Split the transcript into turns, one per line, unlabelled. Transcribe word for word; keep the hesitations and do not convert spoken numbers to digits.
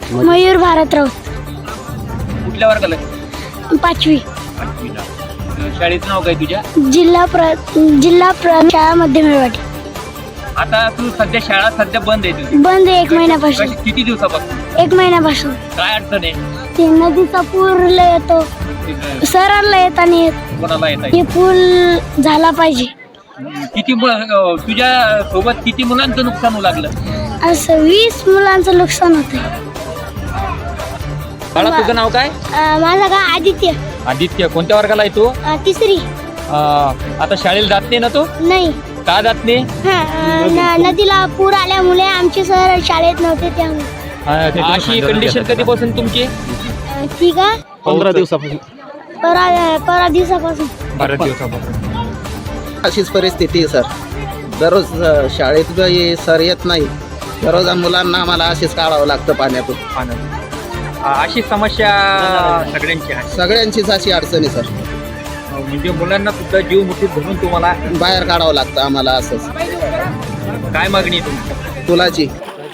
मयूर भारत राऊत.
कुठल्या वर्गाला?
पाचवी.
पाचवीला. शाळेचं नाव काय तुझ्या?
जिल्हा प्र जिल्हा प्र शाळा मध्यमेवाडी.
आता तू सध्या शाळा सध्या बंद आहे तुझी?
बंद आहे एक महिन्यापासून.
कशी- किती दिवसापासून?
एक महिन्यापासून.
काय अडचण आहे?
ते नदीचा पूर येतो, सरांना येत आणि
कोणाला येत
हे पूल झाला पाहिजे.
किती मु- अं, तुझ्या सोबत किती मुलांचं नुकसान होऊ लागलं?
असं वीस मुलांचं नुकसान होतंय.
बाळा तुझं नाव काय?
माझा का आदित्य.
आदित्य. कोणत्या वर्गाला आहे तू?
अं, तिसरी.
अं, आता शाळेला जात नाही ना तू?
नाही.
का जात नाही?
हा, अं, न- नदीला पूर आल्यामुळे आमचे सर शाळेत नव्हते त्यामुळे.
अशी कंडिशन कधीपासून तुमची?
अं, ठीक आहे.
पंधरा दिवसापासून
परा परा दिवसापासून.
बारा दिवसापासून.
अशीच परिस्थिती आहे सर. दररोज अ, शाळेत हे सर येत नाही. दररोज मुलांना आम्हाला अशीच काढावं लागतं पाण्यातून.
पाण्यात. अं, अशी समस्या सगळ्यांची आहे.
सगळ्यांचीच अशी अडचण आहे सर.
अं, म्हणजे मुलांना सुद्धा जीव मुठीत धरून तुम्हाला
बाहेर काढावं लागतं आम्हाला असंच.
काय मागणी आहे तुमची?
पुलाची